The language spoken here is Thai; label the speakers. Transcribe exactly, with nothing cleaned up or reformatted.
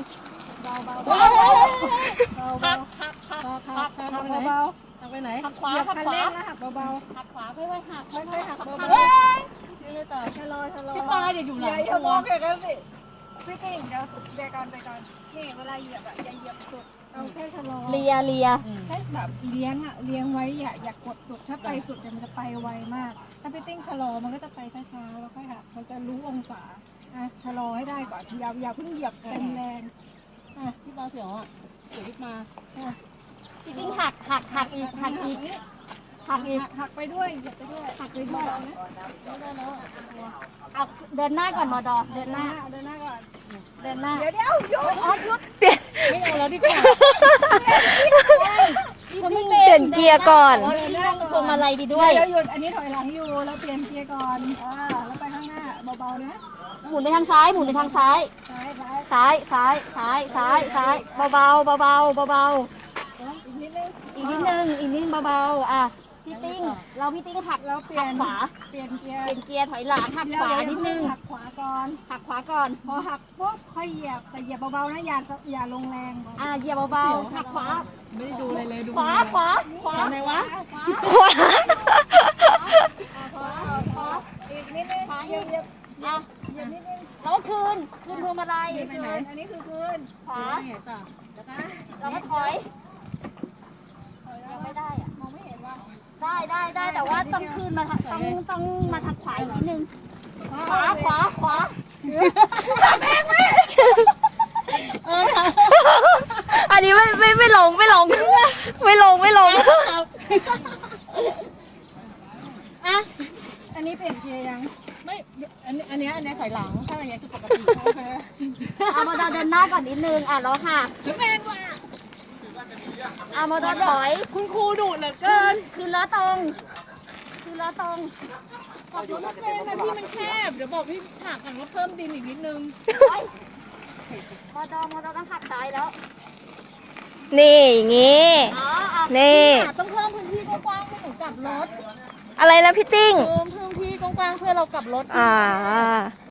Speaker 1: เบาเบา
Speaker 2: เบา
Speaker 1: เบา
Speaker 2: หั
Speaker 1: เบาก
Speaker 2: หักหัก
Speaker 1: หัก
Speaker 2: หั
Speaker 1: หั
Speaker 2: ก
Speaker 1: ก
Speaker 2: หัก
Speaker 1: หัก
Speaker 2: ไปไหน
Speaker 1: เบา
Speaker 2: หักไปไหน
Speaker 1: ๆ
Speaker 2: หักขวา
Speaker 1: เหยียบ
Speaker 2: หัก
Speaker 1: คัน
Speaker 2: ขวา
Speaker 1: เร่งนะหักเบา
Speaker 2: หักขวาค่อยๆหัก
Speaker 1: ๆค่อยๆหักเบา
Speaker 2: เฮ้ยยังไงต่อ
Speaker 1: ๆชะลอชะลอ
Speaker 2: พี่ปลายเดี๋ยวอยู่หลัง
Speaker 1: อย่าโมองแค่นั้นสิพี่กิ่งเดี๋ยวเดี๋ยวก่อนเดี๋ยวก่อนนี่เวลาเหยียบอะอย่าเหยียบสุดเอาแค่ชะลอ
Speaker 3: เลียเลีย
Speaker 1: แค่แบบเลี้ยงอะเลี้ยงไว้อย่าอย่ากดสุดถ้าไปสุดเดี๋ยวมันจะไปไวมาก ถ้าพี่ติ้งชะลอมันก็จะไปช้าๆแล้วค่อยหักมันจะรู้องศาอ่ะชะลอให้ได้ก่อนอย่าอย่าเพิ่งเหยียบเต็มแรง
Speaker 2: อ่ะพี่ปลาเสียวอ่ะเสียวพี่มา
Speaker 3: พี่ติ้งหักหักหักอีกหักอีกหักอีก
Speaker 1: หักไปด้วยเหยียบไปด้วยหักไปด้วยนะ
Speaker 2: ไม่ได้แล้ว
Speaker 3: เอาเดินหน้าก่อนมอดอเดินห
Speaker 1: หน้า
Speaker 3: น้า
Speaker 1: เดินหน้าก่อน
Speaker 3: เดินหน้า
Speaker 1: เดี๋ยวเดี๋ยวหยุด
Speaker 3: อ๋อหยุด
Speaker 2: ไม่เอาแล้วดีกว่า
Speaker 3: พี่ติ้ง
Speaker 4: เปลี่ยนเกียร์ก่อน
Speaker 3: พี่ติ้งต้องพวงมาลัยดีด้วย
Speaker 1: เดี๋ยวหยุดอันนี้ถอยหลังอยู่เราเปลี่ยนเกียร์ก่อนอ่าแล้วไปข้างหน้าเบาๆนะ
Speaker 3: หมุนไปทางซ้ายหมุนไปทางซ้าย
Speaker 1: ซ้ายซ้าย
Speaker 3: ซ้ายซ้ายซ้ายซ้ายซ้ายเบาเบาเบาเบาเบาเบา
Speaker 1: อีกนิดนึง
Speaker 3: ๆอีกนิดนึงอีกนิดเบาเบาๆอ่ะพี่ติ้งเราพี่ติ้งหัก
Speaker 1: เราเปลี่ย
Speaker 3: หั
Speaker 1: น
Speaker 3: กขวา
Speaker 1: เปลี่ยนเกียร์
Speaker 3: เป็นเกียร์ถอยหลังหักขวานิดนึง
Speaker 1: หักขวาก่อน
Speaker 3: หักขวาก่อน
Speaker 1: พอหักปุ๊บค่อยเหยียบแต่เหยียบเบาๆนะอย่าอย่าลงแรง
Speaker 3: อ่ะเหยียบเบาๆหักขวา
Speaker 2: ไม่ได้ดูอะไรเลยดู
Speaker 3: ขวาขวาขวา
Speaker 2: ไหนวะ
Speaker 3: ขวา
Speaker 4: ขวา
Speaker 3: ขวาขวา
Speaker 1: อีกนิดนึง
Speaker 3: ขวา
Speaker 1: เหยี
Speaker 3: อี
Speaker 1: ยบ
Speaker 3: ก
Speaker 1: เหยียบ
Speaker 3: อ่ะ
Speaker 1: เหยียบนิดนึง
Speaker 3: แล้วก็คืนคืนพวงมาลัย
Speaker 1: ไปไหนอันนี้คือคืน
Speaker 3: ขวา
Speaker 2: ไหนต่อแล้วก็
Speaker 3: แล้วก็ถอยยังไม่ได้อะ
Speaker 1: มองไม่เห็นว่า
Speaker 3: ได้ได้ได้แต่ว่าต้องคืนมาทางต้องต้องมาทางขวาอีกนิดนึงขวาขวาขวา
Speaker 2: เออค่ะ
Speaker 4: อันนี้ไม่ไม่ไม่ลงไม่ลง ไม่ลงไม่ลง
Speaker 3: อ่ะ
Speaker 1: อันนี้เปลี่ยนเกียร์ยัง
Speaker 2: ไม่อันนี้อันนี้อันนี้ถอยหลังถ้าอย่างเงี้ยคือปกติ
Speaker 1: โอเค
Speaker 3: เอามาเดินหน้าก่อนนิดนึงอ่ะแล้วค่ะ
Speaker 2: แล้วแม่งว่ะ
Speaker 3: เอามาถอย
Speaker 2: คุณครูดุเหลือเกิน
Speaker 3: คืนล้อตรงคืนล้อตรง
Speaker 2: ขับรถไม่เป็นนะพี่มันแคบเดี๋ยวบอกพี่หักหักแล้วเพิ่มดินอีกนิดนึง
Speaker 3: มอดอมอดอต้องขับซ้ายแล้ว
Speaker 4: นี่อย่างงี้
Speaker 3: อ๋ออ่ะ
Speaker 4: นี่
Speaker 2: ต้องเพิ่มพื้นที่กว้างๆให้หนูกลับรถ
Speaker 4: อะไรนะพี่ติ้ง
Speaker 2: เพิ่มพื้นที่กว้างๆเพื่อเรากลับรถ
Speaker 4: อ่า